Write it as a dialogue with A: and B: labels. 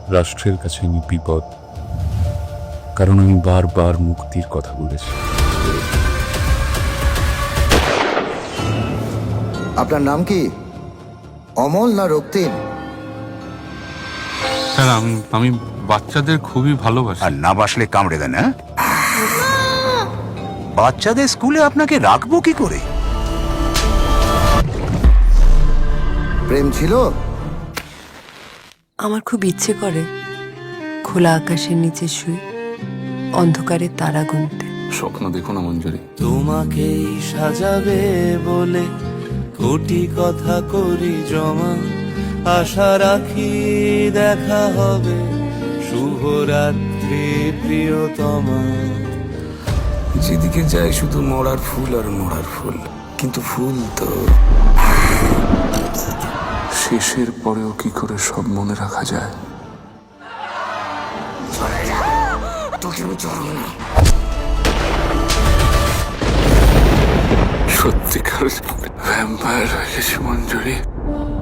A: রাষ্ট্রের কাছে আমি বিপদ, কারণ আমি বারবার মুক্তির কথা বলেছি।
B: আপনার নাম কি? অমল না রক্তিম?
C: স্যার আমি বাচ্চাদের খুবই ভালোবাসি।
D: আর না বাসলে কামড়ে দেন, হ্যাঁ? বাচ্চাদের স্কুলে আপনাকে রাখবো কি করে?
B: প্রেম ছিল?
E: আমার খুব ইচ্ছে করে খোলা আকাশের নিচে শুয়ে অন্ধকারে তারা গুনতে।
C: স্বপ্ন দেখো না মঞ্জুরি।
F: তোমাকেই সাজাবে বলে কোটি কথা করি জমা, আশা রাখি দেখা হবে, শুভরাত্রি প্রিয়তমা।
G: যেদিকে যায় শুধু মরার ফুল আর মরার ফুল, কিন্তু ফুল তো শেষের পরেও কি করে সব মনে রাখা যায়? সত্যিকার ভ্যাম্পায়ার হয়ে গেছে মঞ্জুরি।